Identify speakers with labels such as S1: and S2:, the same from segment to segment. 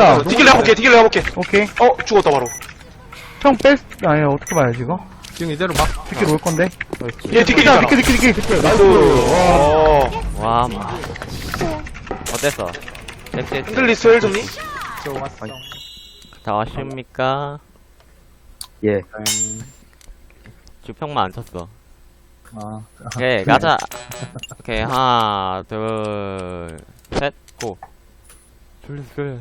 S1: 뺐다.
S2: 디킬 내가 볼게, 디킬 내가 볼게.
S1: 오케이.
S2: 죽었다, 바로.
S1: 형 아니, 어떻게 봐야지, 이거?
S3: 지금 이대로 막.
S1: 디킬 올 건데.
S2: 얘 디킬이잖아.
S1: 디킬.
S2: 나이스.
S4: 와, 어땠어? 섹시.
S2: 핸들리스 헬 좀니?
S4: 다 아십니까?
S5: 예.
S4: 주평만 안 쳤어.
S5: 아.
S4: 오케이, 가자. 오케이, 하나, 둘, 셋, 고. 졸렸어.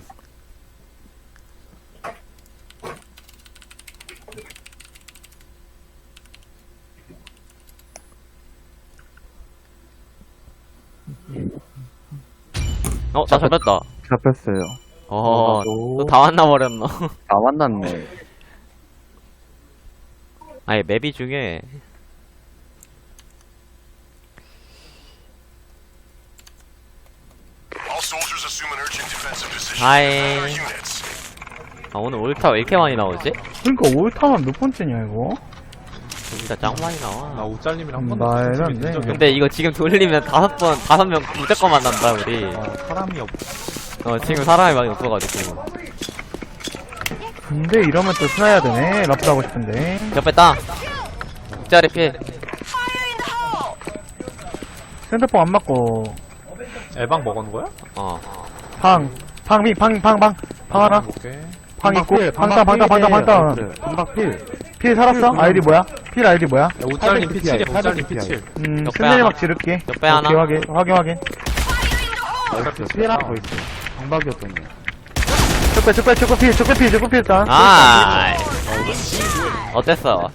S4: 나 잡혔다.
S5: 잡혔어요.
S4: 또 다 만나버렸노.
S5: 다 만났네.
S4: 아니, 맵이 중에. 하이. 아, 오늘 올타 왜 이렇게 많이 나오지?
S1: 그러니까 올타만 몇 번째냐, 이거?
S4: 진짜 짱 많이 나와.
S3: 나 우짤님이랑 한 번도
S1: 말도
S3: 같이
S1: 안
S3: 된
S1: 돼.
S3: 적이 없어.
S4: 근데 이거 지금 돌리면 5명 무조건 만난다, 우리.
S3: 사람이 없.
S4: 지금 사람이 많이 없어가지고.
S1: 근데 이러면 또 스나야 되네. 라프 하고 싶은데.
S4: 옆에 땅. 6짜리 필.
S1: 센터폭 안 맞고.
S3: 에방 먹은 거야?
S1: 방 하나.
S3: 오케이.
S1: 방 있고. 방다. 필 살았어? 아이디 뭐야? 필 아이디 뭐야?
S3: 야, 우짤님 피칠이야. 우짤님 피칠.
S4: 옆에
S1: 센터리
S4: 하나.
S1: 막 지를게.
S4: 옆에 하나.
S1: 오케이, 확인.
S5: 피해라 더 있어. 방박이었더니.
S1: 적배 필 일단.
S4: 아. 어땠어?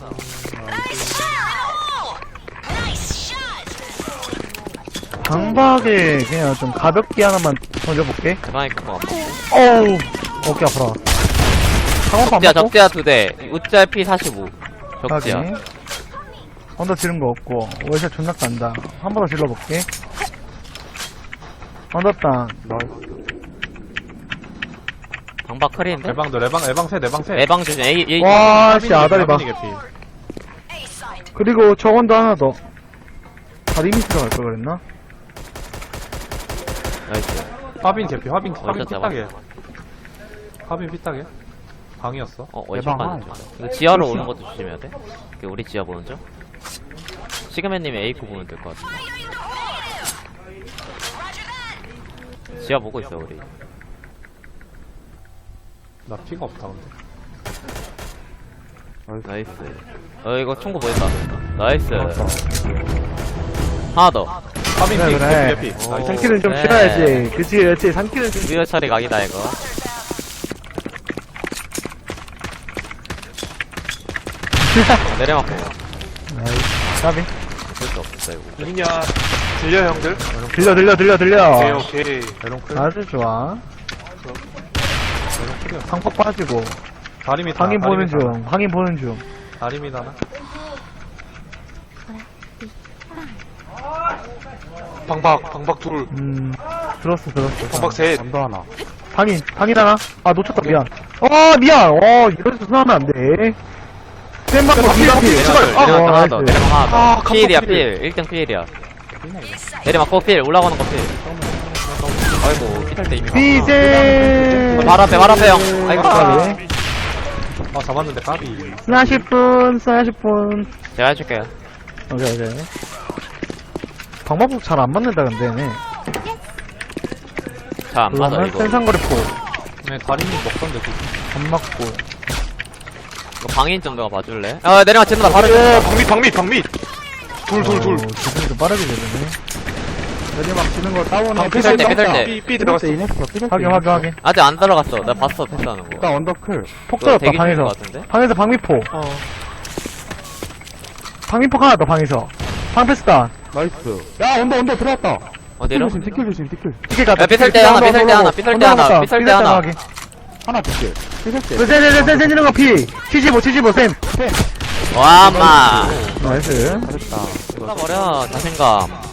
S1: 방박에 그냥 좀 가볍게 하나만 던져볼게.
S4: 대방이 큰거 같아.
S1: 어우, 어깨 아파라. 상황도 안
S4: 적지야,
S1: 맞고?
S4: 적지야 2대. 우짤 피 45. 적지야.
S1: 확인. 언더 지른 거 없고, 월샷 존나 깐다. 한 번 더 질러볼게. 언더 땅.
S4: 방박 크리인데?
S3: 에방들 에방 셋.
S4: 에방 조심. A.
S1: 와, 씨, 아다리 봐.
S3: 개피.
S1: 그리고 저 언더 하나 더. 다리 밑 들어갈 걸 그랬나?
S4: 나이스.
S3: 화빈 개피. 화빈
S4: 잡았어.
S3: 피딱해. 화빈 피딱해. 방이었어.
S4: 월샷 가는 중. 이거 지하로 오는 것도 조심해야 돼. 우리 지하 보는 중. 시그맨님이 A코 보면 될 것 같은데. 지하 보고 있어, 우리.
S3: 나 피가 없다 근데.
S4: 나이스. 이거 총구 보였다. 나이스. 하나 더.
S3: 화빈 피
S1: 그래.
S3: 개피. 나이스.
S1: 상키는 좀
S4: 네.
S1: 싫어야지. 그치. 상키는 좀.
S4: 리얼 처리 각이다, 이거. 내려맞고.
S1: 까비.
S4: 볼수 없어, 이거.
S2: 들리냐? 들려, 형들?
S1: 들려.
S2: 오케이.
S3: 에롱 클.
S1: 아주 좋아. 상폭 빠지고.
S3: 다리미 다.
S1: 방인 보는 중.
S3: 다리미 다나.
S2: 방박 둘.
S1: 들었어.
S2: 방박 셋.
S5: 언더 하나.
S1: 방인 하나? 아, 놓쳤다, 미안. 미안. 이러면서 수나면 안 돼. 쌤방
S2: 방박 필.
S4: 내려막 하나 더.
S1: 나이스.
S4: 내려막 하나 더.
S2: 아,
S4: 필이야,
S2: 깜빡
S4: 필. 1등 필이야. 내려막고 필. 올라가는 거 필. 아이고, 피탈 때 이미
S1: 비제.
S4: 발 앞에, 형. 아이고,
S1: 까비.
S3: 잡았는데 까비.
S1: 스나 10분.
S4: 제가 해줄게요.
S1: 오케이. 방법국 잘 안 맞는다, 근데, 얘네.
S4: 잘 안 맞아, 이거.
S1: 센상거리 포.
S3: 네, 다리미 먹던데 그.
S1: 안 맞고.
S4: 이거 방인 좀 너가 봐줄래? 내려막 친다, 바로.
S2: 방밑. 둘.
S1: 기분이 좀 빠르게 되네. 내리막 치는 거 다운해.
S4: 피살 때.
S2: 삐 들어갔어.
S1: 확인.
S4: 아직 안 들어갔어. 나 봤어, 패스하는 거.
S5: 언더클.
S1: 폭
S4: 그거
S1: 터졌다,
S4: 대기 중인
S1: 방에서.
S4: 것 같은데?
S1: 방에서 방미포. 방미포 하나 더, 방에서. 방패스다.
S5: 나이스.
S1: 야, 언더 들어왔다.
S4: 어디로?
S5: 티켓 조심.
S1: 티켓 가자.
S4: 야, 삐설 때 하나, 삐설 때 하나, 삐설 때 하나, 삐설 때 하나.
S5: 하나 티켓.
S1: 센 지는 거 피. 75, 센.
S4: 와, 마.
S1: 나이스.
S5: 잘했다.
S4: 쏟아버려, 자신감.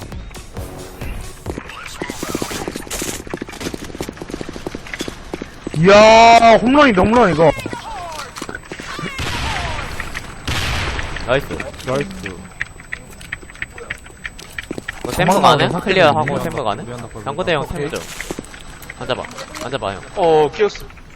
S1: 이야, 홈런이다, 이거.
S4: 나이스.
S5: 나이스.
S4: 뭐 템프 가네?
S1: 도망가네.
S4: 클리어하고 템프 가네?
S3: 우리 하나 거기
S4: 양고대 형
S3: 오케이.
S4: 템프 좀. 앉아봐, 형.
S2: 끼었어.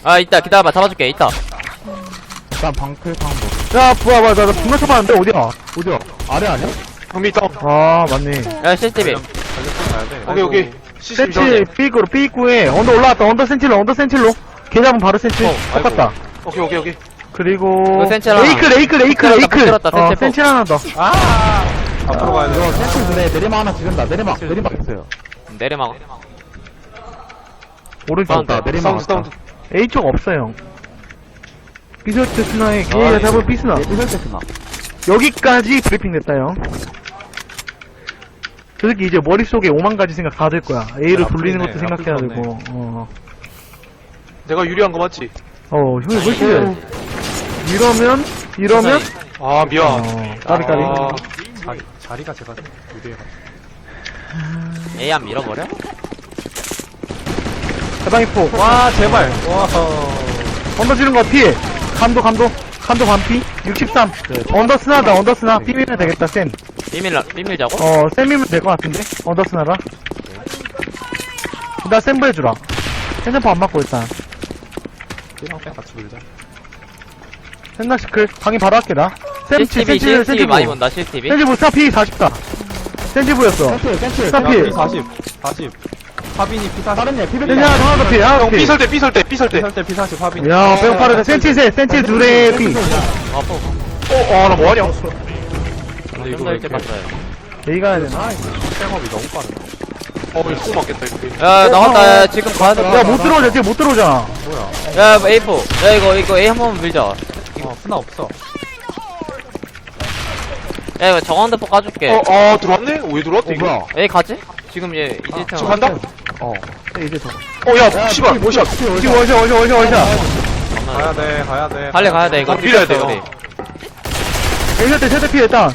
S4: 아, 있다. 기다려봐. 잡아줄게. 있다.
S5: 일단 방클 방법.
S1: 야, 뭐야, 뭐야, 나 분명 쳐봤는데, 어디야?
S5: 어디야? 아래 아니야?
S2: 방미 다운.
S1: 아, 맞네.
S4: 야, CCTV.
S3: 달려서 가야 돼.
S2: 오케이, 오케이. 시스템
S1: 센칠,
S2: 이상하네.
S1: 삐꾸로, 삐꾸에, 언더 올라왔다, 언더 센칠로. 걔 잡으면 바로 센칠.
S2: 아이고.
S1: 똑같다.
S2: 오케이, 오케이, 오케이.
S1: 그리고,
S4: 이거 센칠 하나.
S1: 레이클.
S4: 붙들었다, 센칠
S1: 센칠 하나 더.
S3: 앞으로 가야
S5: 이거
S3: 돼.
S5: 센스 눈에 내리막 하나 지른다. 내리막 있어요.
S4: 내리막.
S1: 오른쪽.
S4: 사운드.
S5: 내리막
S2: 사운드,
S5: 왔다.
S2: 사운드.
S1: A쪽 없어요. 비설트 스나에,
S4: 아,
S1: 얘가 잡은 B스나.
S5: 이럴 때 스나.
S1: 여기까지 브리핑 됐다, 형. 저 새끼 이제 머릿속에 5만 가지 생각 다 될 거야. A를
S3: 야,
S1: 돌리는
S3: 아프네,
S1: 것도 생각해야
S3: 아플
S1: 되고,
S2: 내가 유리한 거 맞지?
S1: 형이 훨씬 돼. 이러면,
S2: 아, 미안.
S1: 까비.
S2: 아,
S3: 자리가 제가 유리해가.
S4: A 안 밀어버려?
S1: 해방이포.
S3: 와, 제발. 와,
S1: 언더 지른 거 피해. 감도 반피. 63. 언더 스나다. 삐밀면 되겠다, 센.
S4: 삐밀자고?
S1: 센이면 될 것 같은데? 언더 스나라. 나 센부 해주라. 센점프 안 맞고 일단.
S3: 삐랑 뺑 같이 물자.
S1: 센나시클. 강의 바로 할게, 나.
S4: CCTV 많이 본다, CCTV.
S1: 센지부 스나 피 40다. 센지부였어.
S5: 센스.
S1: 스나 피.
S3: 40. 파빈이 P40.
S5: 다른 애 피벨.
S1: 센지 하나 더 피.
S2: 형, 삐설 때, 삐설 때.
S3: P40 파빈이.
S1: 야, 배고 빠르다. 센치 둘의 피.
S4: 아파.
S2: 나 뭐하냐?
S3: 근데 이거
S4: 좀더
S3: 왜
S4: 일찍
S3: 이렇게
S4: 갔어요.
S1: A 가야 되나?
S3: 백업이 너무 빠르네.
S2: 이거 쏘 맞겠다, 이거.
S4: 야, 나갔다. 야, 지금 가야 돼.
S1: 야, 못 들어오자. 지금 못 들어오잖아.
S3: 뭐야?
S4: 야, A4. 야, 이거 A 한 번만 밀자.
S3: 스나 없어.
S4: 야, 이거 정원대포 까줄게.
S2: 들어왔네? 왜 들어왔대, 이거?
S5: 뭐야?
S4: A 가지? 지금 얘, 이제
S2: 지금 간다?
S1: 이제 더.
S2: 야, 씨발, 뭐샷.
S1: 지금 원샷.
S3: 가야 돼.
S4: 빨리 가야 돼, 이거.
S2: 밀어야 돼요.
S4: 우리.
S1: A 세대 피 일단.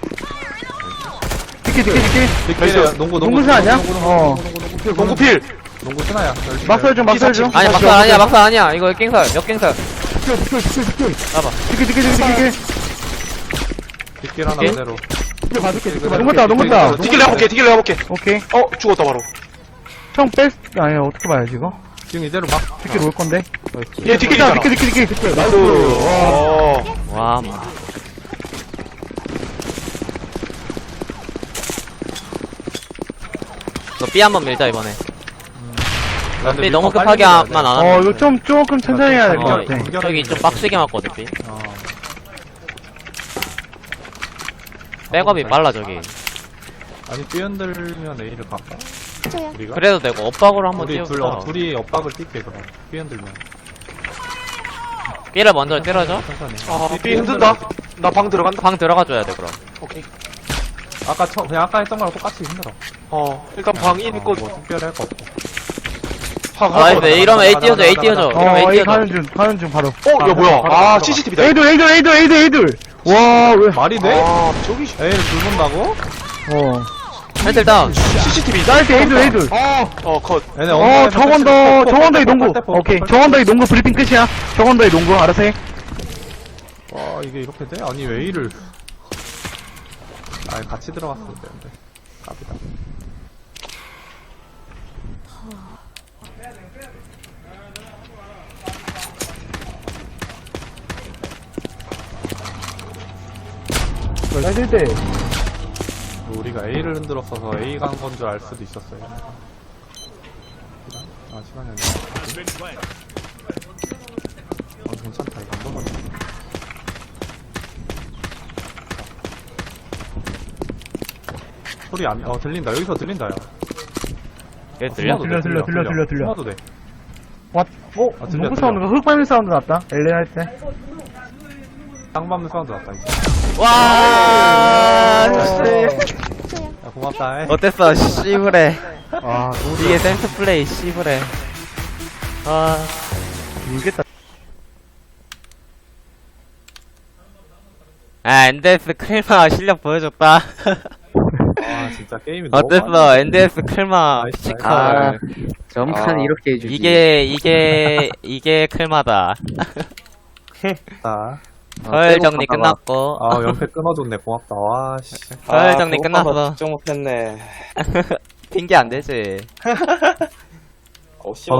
S1: 디키.
S2: 나이스.
S1: 농구수 아니야?
S2: 농구 필.
S3: 농구 스나야.
S1: 막설 좀.
S4: 아니, 막상 아니야. 이거 깽설, 역갱설. 봐봐.
S1: 디키.
S3: 뒷길 하나
S4: 뒷길?
S3: 그대로.
S1: 농구다.
S2: 디킬 내가 볼게.
S1: 오케이.
S2: 죽었다, 바로.
S1: 형 아니, 어떻게 봐야지, 이거?
S3: 지금 이대로 막.
S1: 디키 올 건데.
S2: 얘 디킬 있잖아.
S1: 디키.
S2: 나이스.
S4: 와, 뭐. 이거 B 한번 밀자, 이번에. B 너무 급하게만 안 하면.
S1: 이거 조금 천천히 해야 될 것
S4: 어,
S1: 같아.
S4: 저기 좀 빡세게 맞거든, B. 백업이 빨라, 저기.
S3: 아니 뛰어들면 A를 갈까? 우리가?
S4: 그래도 되고, 엇박으로 한번
S3: 우리
S4: 띄워줘.
S3: 둘이 엇박을 뛸게 그럼. 뛰어들면.
S4: B를 먼저 때려줘.
S3: 천천히.
S2: 삐 흔든다. 나 방 들어간다.
S4: 방 들어가줘야 돼, 그럼.
S2: 오케이.
S3: 그냥 아까 했던 거랑 똑같이 힘들어.
S2: 일단 방 인 있고.
S3: 뭐 특별할 거 없고.
S4: 나이스, 이러면 A 띄워줘, A 띄워줘. 이러면 A
S1: A
S4: 띄워줘.
S1: 가는 중 바로.
S2: 야, 뭐야. CCTV다.
S1: A들. 와, 왜?
S3: 말이 돼?
S2: 저기,
S3: A를 둘 본다고?
S4: 멘틀 다운.
S2: CCTV.
S1: 나이스, A들.
S2: 컷.
S3: 얘네
S1: 정원더의 농구. 오케이. 정원더의 농구 브리핑 끝이야. 정원더의 농구, 알아서 해.
S3: 와 이게 이렇게 돼? 아니 왜 A를 같이 들어갔어야 되는데 갑이다.
S1: 나이스 때.
S3: 우리가 A를 흔들었어서 A 간 건 줄 알 수도 있었어요. 시간이 아니야. 괜찮다. 이거 한 번만. 소리 들린다. 여기서 들린다, 야.
S4: 얘 들려?
S1: 들려.
S3: 숨어도 돼.
S1: 왓?
S3: 들려,
S1: 농구
S3: 들려.
S1: 사운드가 흑발미 사운드 났다. LA 할 때.
S3: 땅 밟는 사운드 났다, 이제.
S4: 와,
S3: 야, 고맙다,
S4: 어땠어, 씨부레.
S5: 아,
S4: 이게 센스 플레이, 씨부레.
S1: 울겠다.
S4: NDS 클마 실력 보여줬다.
S3: 와, 진짜 게임이 너무
S4: 어땠어, NDS 클마
S3: 나이스,
S4: 피지컬.
S5: 점칸 이렇게 해주지.
S4: 이게 클마다.
S3: 많다.
S4: 서열 정리 끝났고.
S3: 연패 끊어줬네. 고맙다. 와, 씨.
S4: 서열 정리 끝났어.
S6: 걱정 못했네.
S4: 핑계 안 되지.